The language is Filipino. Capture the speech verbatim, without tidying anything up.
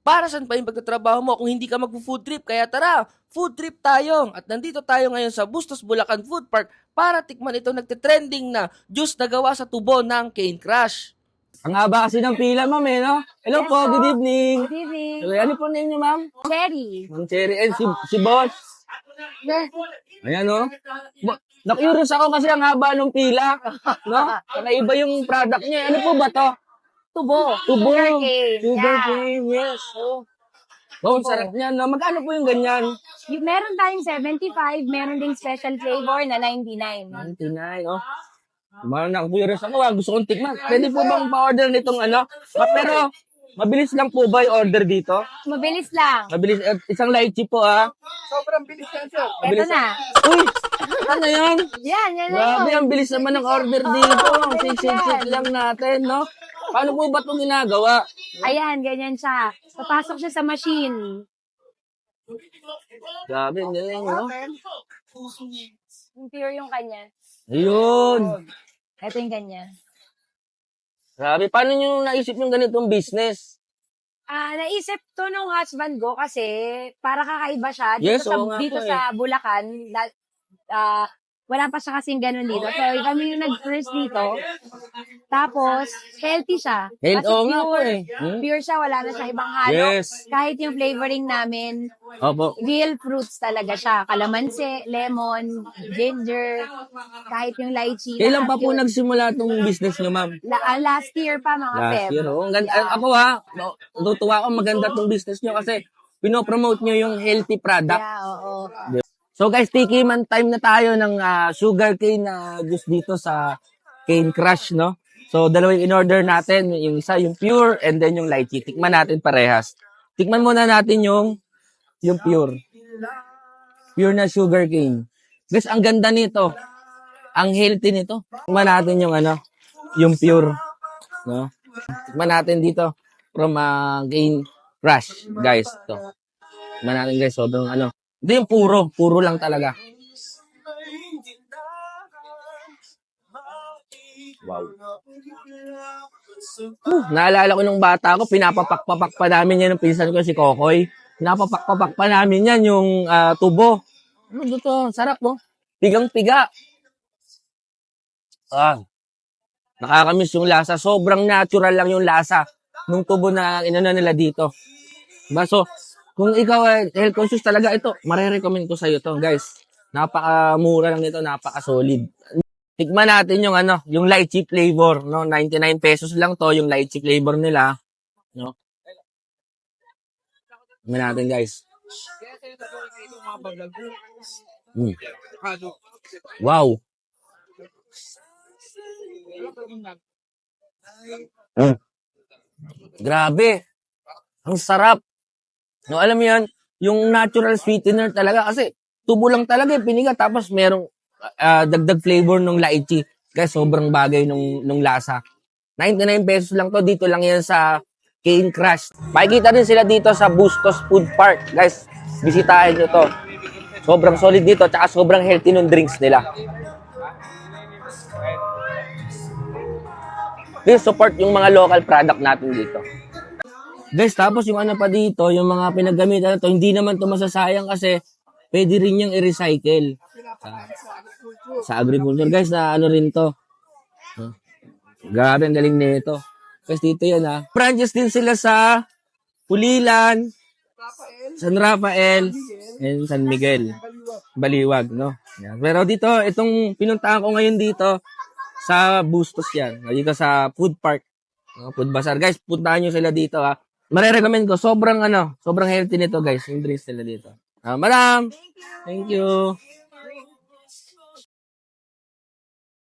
Para saan pa yung pagtatrabaho mo kung hindi ka magpo-food trip? Kaya tara, food trip tayo. At nandito tayo ngayon sa Bustos Bulacan Food Park para tikman itong nagte-trending na juice na gawa sa tubo ng cane crush. Ang haba kasi ng pila, ma'am, eh, no? Hello Yes po, po. good evening. Good evening. Hello, ano po name niyo, ma'am? Cherry. Ma'am Cherry, and si, si boss. Ayan, no? Ba- Na-curious ako kasi ang haba ng pila, no? Kakaiba yung product niya. Ano po ba to? Tubo. Tubo. Sugarcane. Sugar Yeah. cane, yes. Oh. Oh, ang sarap niyan, no? Magkano po yung ganyan? Yung, meron tayong seventy-five, meron ding special flavor na ninety-nine. ninety-nine, oh. Kumara na, curious ako, ah. Gusto kong tikman. Pwede po bang pa-order nitong ano? Ah, pero, mabilis lang po ba yung order dito? Mabilis lang. Mabilis, eh, isang lychee po, ah. Ito na. Uy! Ano yan? Yan, yan na Grabe, yun. ang bilis naman ng order dito. bilis Sik-sik-sik yan. lang natin, no? Paano po ba itong ginagawa? Ayan, ganyan siya. Papasok siya sa machine. Grabe, ang galing, no? Yung pure yung kanya. Ayun. Ito yung kanya. Grabe, paano nyo naisip yung ganitong business? Ah, naisip to nung husband ko kasi para kakaiba siya dito Yes, sa oo nga dito po eh. sa Bulacan. La- ah, wala pa siya kasing ganun dito. So, kami yung nag-first dito. Tapos, healthy siya. Health, Kasi oo nga po pure, eh. Hmm? pure siya, wala na siya ibang halo. Yes. Kahit yung flavoring namin, Opo. real fruits talaga siya. Kalamansi, lemon, ginger, kahit yung lychee. Kailan pa lahat po yun. nagsimula itong business nyo, ma'am? La- ah, last year pa, mga Last Feb. year, oh. Ang ganda, ako ha, no, natutuwa ako maganda itong business nyo kasi pinopromote nyo yung healthy product. Yeah, oo. So guys, tikiman time na tayo ng ah, sugar cane na juice dito sa Cane Crush, no? So dalawang in-order natin, yung isa yung pure and then yung lychee. Tikman natin parehas. Tikman muna natin yung yung pure. Pure na sugar cane. Guys, ang ganda nito. Ang healthy nito. Tikman natin yung ano, yung pure, no? Tikman natin dito from uh, Cane Crush, guys. To. Tikman natin guys, sobrang ano. Ito yung puro, puro lang talaga. Wow. Uh, naalala ko nung bata ko, pinapapak-papak pa namin yan ng pinsan ko si Kokoy. Pinapapak-papak pa namin yan yung ah, tubo. Ano to? Sarap mo. Pigang-piga. Ah. Nakakamiss yung lasa. Sobrang natural lang yung lasa nung tubo na inano nila dito. Diba? So, kung ikaw ay health conscious talaga, ito, marirecommend ko sa'yo to, guys. Napaka-mura lang nito, napaka-solid. Tikman natin yung ano, yung lychee flavor, no? ninety-nine pesos lang to, yung lychee flavor nila, no? Tikman natin, guys. Mm. Wow. Mm. Grabe. Ang sarap. No, alam mo yan, yung natural sweetener talaga kasi tubo lang talaga yung piniga tapos merong ah, dagdag flavor ng lychee. Kaya sobrang bagay nung, nung lasa. ninety-nine pesos lang to. Dito lang yan sa Cane Crush. Makikita din sila dito sa Bustos Food Park. Guys, bisitahin nyo to. Sobrang solid dito tsaka sobrang healthy ng drinks nila. Please support yung mga local product natin dito. Guys, tapos yung ano pa dito, yung mga pinagamitan na to, hindi naman to masasayang kasi pwede rin yung i-recycle. Sa, sa agriculture. Guys, na ano rin to. Huh? Grabe, ang galing nito. Guys, dito yan ha. Branches din sila sa Pulilan, San Rafael, and San Miguel. Baliwag, no? Yan. Pero dito, itong pinuntahan ko ngayon dito, sa Bustos yan. Dito sa food park. No? Food bazaar. Guys, puntahan nyo sila dito ha. Marirecommend ko, sobrang ano, sobrang healthy nito guys, yung drinks nila dito. Ah, madam, thank you.